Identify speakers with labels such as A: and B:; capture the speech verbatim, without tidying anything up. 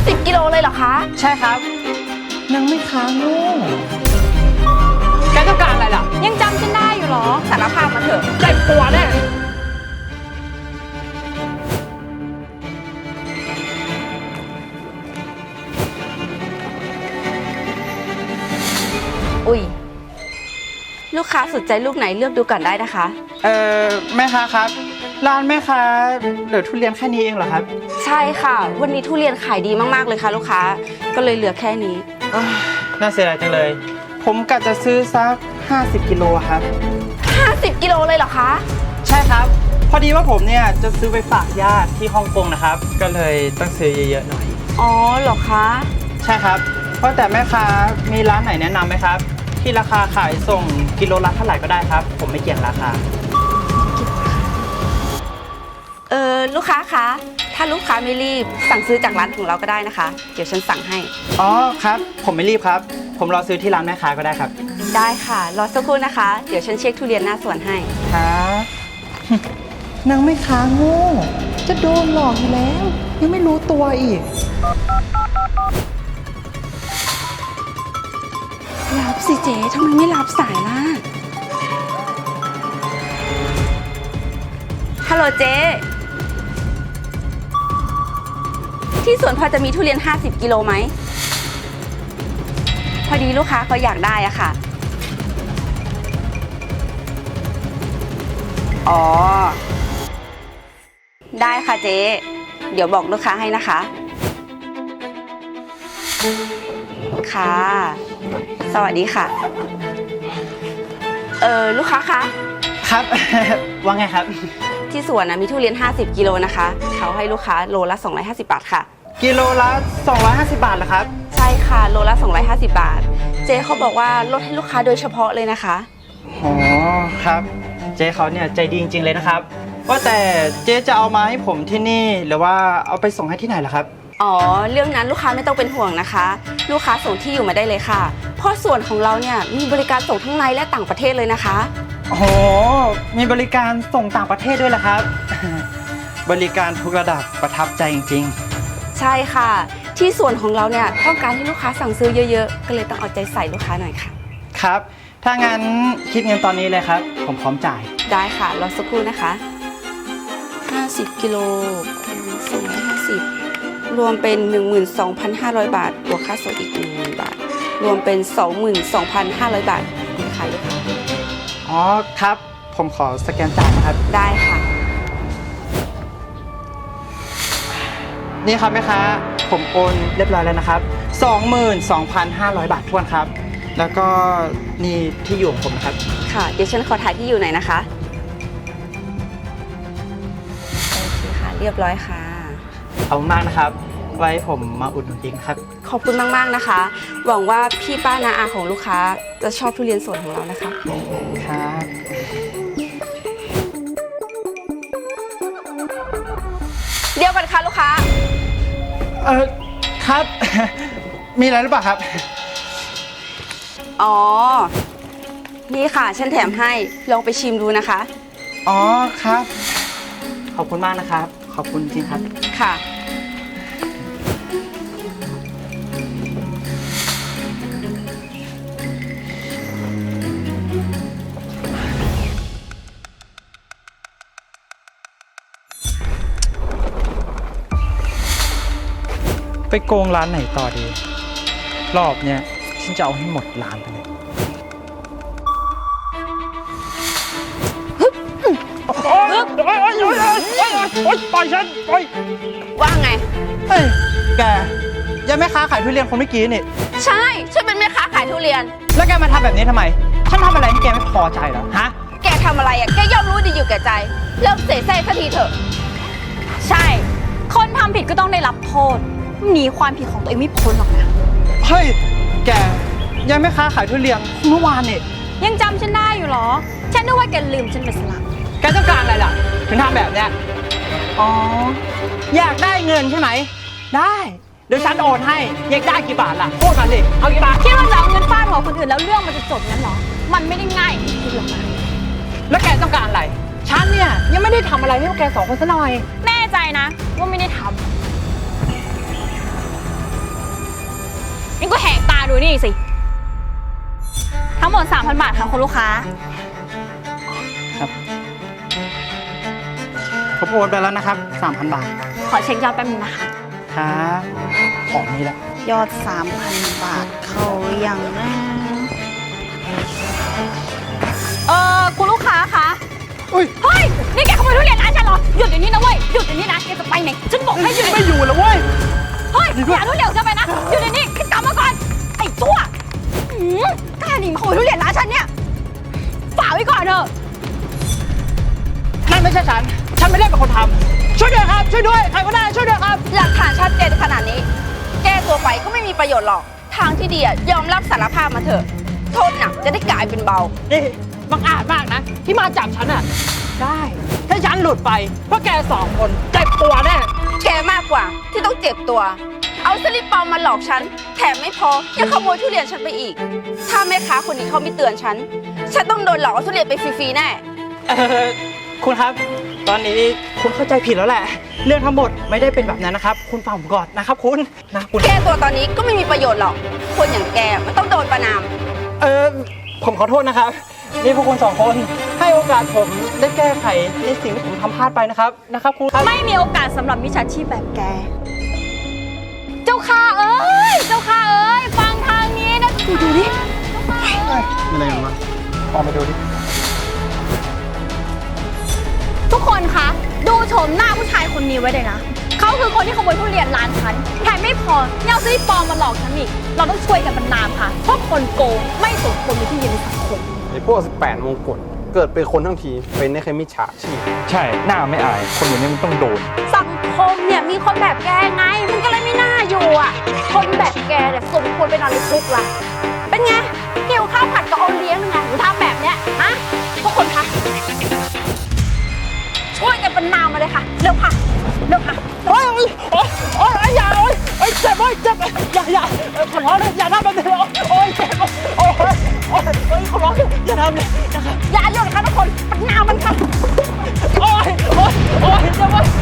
A: สิบกิโลเลยเหรอคะ
B: ใช่ครับนางไม่ค้างโง่แกต้องการอะไรล่ะ
A: ยังจำฉันได้อยู่หรอสารภาพมาเถอะ
B: เจ็บตัวแน่
A: อุ้ยลูกค้าสนใจลูกไหนเลือกดูก่อนได้นะคะ
B: เอ่อแม่ค้าครับร้านแม่ค้าเหลือทุเรียนแค่นี้เองเหรอครับ
A: ใช่ค่ะวันนี้ทุเรียนขายดีมากๆเลยค่ะลูกค้าก็เลยเหลือแค่นี้
B: น่าเสียดายจังเลยผมกะจะซื้อสักห้าสิบกิโลครับ
A: ห้าสิบกิโลเลยเหรอคะ
B: ใช่ครับพอดีว่าผมเนี่ยจะซื้อไปฝากญาติที่ฮ่องกงนะครับก็เลยต้องซื้อเยอะๆหน่อย
A: อ๋อเหรอคะ
B: ใช่ครับเพราะแต่แม่ค้ามีร้านไหนแนะนำไหมครับที่ราคาขายส่งกิโลละเท่าไหร่ก็ได้ครับผมไม่เกี่ยงราคา
A: เออลูกค้าคะถ้าลูกค้าไม่รีบสั่งซื้อจากร้านของเราก็ได้นะคะเดี๋ยวฉันสั่งให้
B: อ๋อครับผมไม่รีบครับผมรอซื้อที่ร้านแม่ค้าก็ได้ครับ
A: ได้ค่ะรอสักครู่นะคะเดี๋ยวฉันเช็คทุเรียนหน้าสวนให้
B: ครับนางไม่ค้าโง่จะโดนหลอกอยู่แล้วยังไม่รู้ตัวอีก
A: รับสิเจ๊ทำไมไม่รับสายล่ะฮัลโหลเจ๊ที่สวนพอจะมีทุเรียนห้าสิบกิโลไหมพอดีลูกค้าเขาอยากได้อะค่ะอ๋อได้ค่ะเจ๊เดี๋ยวบอกลูกค้าให้นะคะค่ะสวัสดีค่ะเออลูกค้าคะ
B: ครับ ว่าไงครับ
A: ที่สวนนะมีทุเรียนห้าสิบกิโลนะคะเขาให้ลูกค้าโลละสองร้อยห้าสิบบาทค่ะ
B: กิโลละสองร้อยห้าสิบบาทเหรอครับ
A: ใช่ค่ะโลละสองร้อยห้าสิบบาทเจ๊เขาบอกว่าลดให้ลูกค้าโดยเฉพาะเลยนะคะ
B: อ๋อครับเจ๊เขาเนี่ยใจดีจริงๆเลยนะครับว่าแต่เจ๊จะเอามาให้ผมที่นี่หรือว่าเอาไปส่งให้ที่ไหนล่ะครับ
A: อ๋อเรื่องนั้นลูกค้าไม่ต้องเป็นห่วงนะคะลูกค้าส่งที่อยู่มาได้เลยค่ะเพราะส่วนของเราเนี่ยมีบริการส่งทั้งในและต่างประเทศเลยนะคะ
B: โอ้โหมีบริการส่งต่างประเทศด้วยเหรอครับบริการทุกระดับประทับใจจริง
A: ๆใช่ค่ะที่ส่วนของเราเนี่ยต้องการให้ลูกค้าสั่งซื้อเยอะๆก็เลยต้องเอาใจใส่ลูกค้าหน่อยค่ะ
B: ครับถ้างั้นคิดเงินตอนนี้เลยครับผมพร้อมจ่าย
A: ได้ค่ะรอสักครู่นะคะห้าสิบกิโลคูณสองร้อยห้าสิบรวมเป็น หนึ่งหมื่นสองพันห้าร้อย บาทบวกค่าส่งอีก หนึ่งหมื่น บาทรวมเป็น สองหมื่นสองพันห้าร้อย บาทคุณค่ะลูกค้า
B: อ๋อครับผมขอสแกนจ่ายนะครับ
A: ได้ค่ะ
B: นี่ครับแม่ค้าผมโอนเรียบร้อยแล้วนะครับ สองหมื่นสองพันห้าร้อย บาททวนครับแล้วก็นี่ที่อยู่ของผมนะครับ
A: ค่ะเดี๋ยวฉันขอถ่ายที่อยู่หน่อยนะคะโอเคค่ะเรียบร้อยค่ะ
B: ขอบคุณมากนะครับไว้ผมมาอุดหนุนอีกครับ
A: ขอบคุณมากๆนะคะหวังว่าพี่ป้านาอาของลูกค้าจะชอบทุเรียนสดของเรานะคะ
B: ครับ
A: เดี๋ยวกันค่ะลูกค้า
B: เออครับมีอะไรหรือเปล่าครับ
A: อ๋อนี่ค่ะฉันแถมให้ลองไปชิมดูนะคะ
B: อ๋อครับขอบคุณมากนะครับขอบคุณจริงครับ
A: ค่ะ
B: ไปโกงร้านไหนต่อดีรอบเนี้ยฉันจะเอาให้หมดร้านไปเลยโอ๊ยโอ๊ยโอ๊ยโอ๊ยโอ๊ยปล่อยฉันปล่อย
A: ว่าไง
B: เฮ้ยแกยังแม่ค้าขายทุเรียนคนเมื่อกี้นี่
A: ใช่ฉันเป็นแม่ค้าขายทุเรียน
B: แล้วแกมาทำแบบนี้ทำไมฉันทำอะไรให้แกไม่พอใจเหรอฮะ
A: แกทำอะไรอ่ะแกย่อมรู้ดีอยู่แก่ใจเลิกเสแสร้งสักทีเถอะ
C: ใช่คนทำผิดก็ต้องได้รับโทษหนีความผิดของตัวเองไม่พ้นหรอกนะ
B: เฮ้ยแกยังแม่ค้าขายทุเรียนเมื่อวานนี่
C: ยังจำฉันได้อยู่หรอฉันนึกว่าแกลืมฉันไปซะละ
B: แกต้องการอะไรล่ะถึงทำแบบเนี้ยอ๋ออยากได้เงินใช่ไหมได้เดี๋ยวฉันโอนให้อยากได้กี่บาทล่ะพูดมาสิเอากี่บาท
C: คิดว่าจะเอาเงินฟาดหัวคนอื่นแล้วเรื่องมันจะจบงั้นหรอมันไม่ได้ง่ายอย่างที่คิดหรอกนะ
B: แล้วแกต้องการอะไรฉันเนี่ยยังไม่ได้ทำอะไรให้พวกแกสองคนซะหน่อย
C: แน่ใจนะว่าไม่ได้ทดูนี่สิ ทั้งหมด สามพัน บาทค่ะคุณลูกค้า
B: ครับผมโอนไปแล้วนะครับ สามพัน บาท
C: ขอเช็คยอดแป๊บนึงนะคะ
B: ครับของนี้แหละ
D: ยอด สามพัน บาทเขายังนะ
C: เออคุณลูกค้าคะ
B: อุ้ย
C: เฮ้ย นี่แกขโมยทุเรียนร้านฉันเหรอ หยุดเดี๋ยวนี้นะเว้ย หยุดเดี๋ยวนี้นะ แกจะไปไหน ฉันบอกให้หยุด
B: ไม่อยู่แล้วเว้ย
C: เฮ้ย อย่าทุเรียนของฉันไปนะ หยุดเดี๋ยวนี้ขึ้นกลับมาก่อน ไอ้ชั่วหืมกล้าหนีมาขโมยทุเรียนร้านฉันเนี่ยฝากไว้ก่อนเถอะ
B: นั่นไม่ใช่ฉัน ฉันไม่ได้เป็นคนทำช่วยด้วยครับ ช่วยด้วย ใครก็ได้ช่วยด้วยครับ
A: หลักฐานชัดเจนขนาดนี้ แก้ตัวไปก็ไม่มีประโยชน์หรอก ทางที่ดีอะยอมรับสารภาพมาเถอะ โทษหนักจะได้กลายเป็นเบา
B: นี่บังอาจมากนะ ที่มาจับฉันอะได้ ถ้าฉันหลุดไปพวกแกสองคนเจ็บตัวแน่
A: แกมากกว่าที่ต้องเจ็บตัว เอาสลิปปลอมมาหลอกฉัน แถมไม่พอยังขโมยทุเรียนฉันไปอีก ถ้าแม่ค้าคนนี้เขาไม่เตือนฉัน ฉันต้องโดนหลอกเอาทุเรียนไปฟรีๆแน่
B: เออคุณครับ ตอนนี้คุณเข้าใจผิดแล้วแหละ เรื่องทั้งหมดไม่ได้เป็นแบบนั้นนะครับ คุณฟังผมก่อนนะครับคุณนะคุณ
A: แก้ตัวตอนนี้ก็ไม่มีประโยชน์หรอก คนอย่างแกมันต้องโดนประนาม
B: เออผมขอโทษนะครับ นี่พวกคุณสองคนให้โอกาสผมได้แก้ไขในสิ่งที่ผมทำพลาดไปนะครับนะครับคุณครับ
C: ไม่มีโอกาสสำหรับมิจฉาชีพแบบแก เจ้าค่ะเอ้ย เจ้าค่ะเอ้ย ฟังทางนี้นะดูดูดิ
B: อะไรกันวะออกมาดูดิ
C: ทุกคนคะ ดูโฉมหน้าผู้ชายคนนี้ไว้เลยนะ เขาคือคนที่ขโมยทุเรียนร้านฉัน แถมไม่พอยังเอาซื้อปลอมมาหลอกฉันอีก เราต้องช่วยกันบรรณามค่ะ เพราะคนโกงไม่สมควรมีที่ยืนในสังคม
E: ไอ้พวกสิบแปดมงกุฎเกิดเป็นคนทั้งที เป็นได้แค่มิจฉาชีพ
F: ใช่ หน้าไม่อาย คนอย่างนี้มันต้องโดน
C: สังคมเนี่ยมีคนแบบแกไง มันก็เลยไม่น่าอยู่อ่ะ คนแบบแกเนี่ยสมควรไปนอนในคุกละเป็นไงเกี่ยวข้าวผัดกับโอเลี้ยงยังไงหนูทำแบบเนี้ยฮะทุกคนคะช่วยกันเป็นนามมาเลยค่ะเร็วค่ะเร็วค่ะ
B: โอ้ยโอ้ยโอ้ยอย่าโอ้ยโอ้ยเจ็บโอ้ยเจ็บอย่าอย่าขอร้องเลยอย่าทำแบบนี้โอ้ยเจ็บโอ้ยโอ้ยโอ้ยขอร้องอย่าทำเลยนะครับ
C: อย่าหยุดค่ะทุกคนเป็นนามมันค่ะ
B: โอ้ยโอ้ยโอ้ยเจ็บโอ้ย